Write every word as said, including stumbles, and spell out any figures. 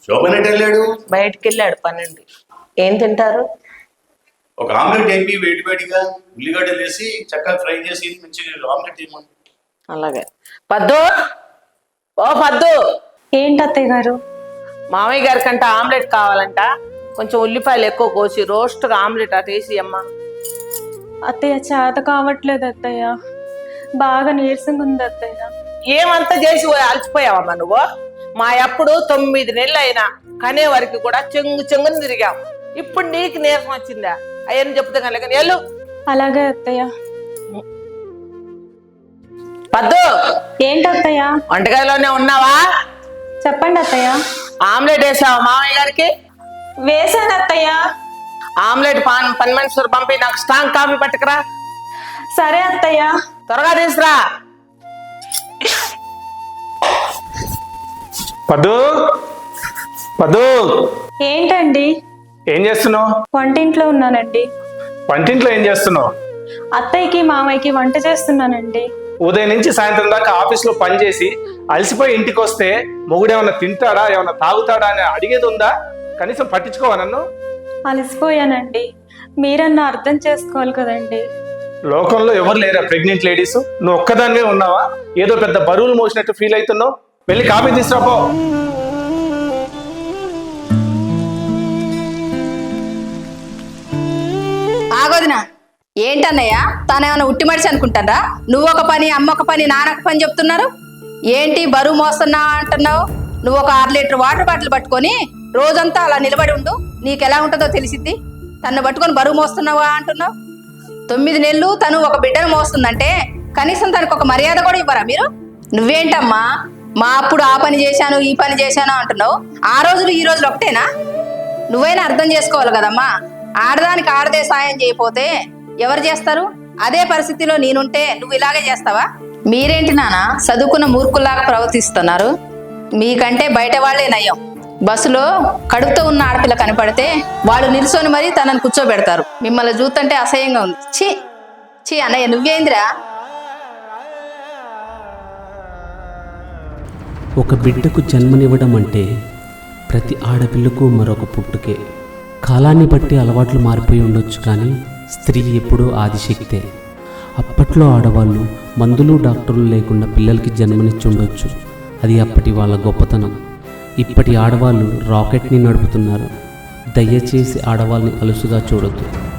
శోభన్ ఎటు వెళ్ళాడు? బయటికి వెళ్ళాడు పన్నెండు. ఏం తింటారు? ఒక ఆమ్లెట్ వేపి వేడి వేడిగా ఉల్లిగడ్డలు వేసి చక్కగా ఫ్రై చేసి మంచిగా ఆమ్లెట్ వేయమని. అలాగే. పద్దు, ఓ పద్దు. ఏంటి అత్తయ్య గారు? మామయ్య గారి కంట ఆమ్లెట్ కావాలంట, కొంచెం ఉల్లిపాయలు ఎక్కువ కోసి రోస్ట్గా ఆమ్లెట్ అటు వేసి అమ్మా. అత్తయ్య చేత కావట్లేదు అత్తయ్య, బాగా నీరసంగా ఉంది అత్తయ్య. ఏమంతా చేసి అలసిపోయావమ్మా నువ్వు? మా అప్పుడు తొమ్మిది నెలలు అయినా కనే వరకు కూడా చెంగు చెంగుని తిరిగాం. ఇప్పుడు నీకు నీరసం వచ్చిందా? అయ్యని చెప్తే కనుక వెళ్ళు. అలాగే అత్తయ్య. పద్దు, ఏంటి అత్తయ్య? వంటగదిలోనే ఉన్నావా? చెప్పండి అత్తయ్య. ఆమ్లెట్ వేసావా మామయ్య గారికి? వేసాను అత్తయ్య. ఆమ్లెట్ పాన్ పని మనుషులు పంపి నాకు స్ట్రాంగ్ కాఫీ పట్టుకురా. సరే అత్తయ్య. త్వరగా తీసుకురా. పద్దు, పద్దు, ఏంటండి? ఏం చేస్తున్నావు? వంటింట్లో ఉన్నానండి. వంటింట్లో ఏం చేస్తున్నావు? అత్తయ్యకి మామయ్యకి వంట చేస్తున్నానండి. ఉదయం నుంచి సాయంత్రం దాకా ఆఫీస్లో పని చేసి అలసిపోయి ఇంటికి వస్తే మొగుడు ఏమన్నా తింటాడా ఏమన్నా తాగుతాడా అని అడిగేది ఉందా? కనీసం పట్టించుకోవా నన్ను? అలసిపోయానండి, మీరన్నా అర్థం చేసుకోవాలి కదండి. లోకంలో ఎవరు లేరా ప్రెగ్నెంట్ లేడీస్? నువ్వు ఒక్కదానివే ఉన్నావా? ఏదో పెద్ద బరువులు మోసినట్టు ఫీల్ అవుతున్నావు. వెళ్ళి కాఫీ తీసుకురాపో. ఆగోదినా, ఏంటన్నయ్య తానేమన్నా ఉట్టి మడిచి అనుకుంటారా? నువ్వు ఒక పని, అమ్మ ఒక పని, నాన్న ఒక పని చెప్తున్నారు. ఏంటి బరువు మోస్తున్నా అంటున్నావు? నువ్వు ఒక ఆరు లీటర్ వాటర్ బాటిల్ పట్టుకొని రోజంతా అలా నిలబడి ఉండు, నీకు ఎలా ఉంటుందో తెలిసిద్ది. తను పట్టుకొని బరువు మోస్తున్నావా అంటున్నావు? తొమ్మిది నెలలు తను ఒక బిడ్డను మోస్తుందంటే కనీసం తనకు ఒక మర్యాద కూడా ఇవ్వరా మీరు? నువ్వేంటమ్మా మా అప్పుడు ఆ పని చేశాను ఈ పని చేశాను అంటున్నావు. ఆ రోజులు ఈ రోజులు ఒకటేనా? నువ్వైనా అర్థం చేసుకోవాలి కదమ్మా. ఆడదానికి ఆడదే సాయం చేయకపోతే ఎవరు చేస్తారు? అదే పరిస్థితిలో నేనుంటే నువ్వు ఇలాగే చేస్తావా? మీరేంటి నాన్న చదువుకున్న మూర్ఖుల్లాగా ప్రవర్తిస్తున్నారు? మీకంటే బయట వాళ్లే నయం. బస్సులో కడుపుతో ఉన్న ఆడపిల్ల కనపడితే వాళ్ళు నిల్చొని మరీ తనని కూర్చోబెడతారు. మిమ్మల్ని చూస్తుంటే అసహ్యంగా ఉంది. ఛీ ఛీ అన్నయ్య, నువ్వేందిరా? ఒక బిడ్డకు జన్మనివ్వడం అంటే ప్రతి ఆడపిల్లకు మరొక పుట్టుకే. కాలాన్ని బట్టి అలవాట్లు మారిపోయి ఉండొచ్చు, కానీ స్త్రీ ఎప్పుడూ ఆదిశక్తే. అప్పట్లో ఆడవాళ్ళు మందులు డాక్టర్లు లేకుండా పిల్లలకి జన్మనిచ్చి ఉండొచ్చు, అది అప్పటి వాళ్ళ గొప్పతనం. ఇప్పటి ఆడవాళ్ళు రాకెట్ని నడుపుతున్నారు. దయచేసి ఆడవాళ్ళని అలుసుగా చూడొద్దు.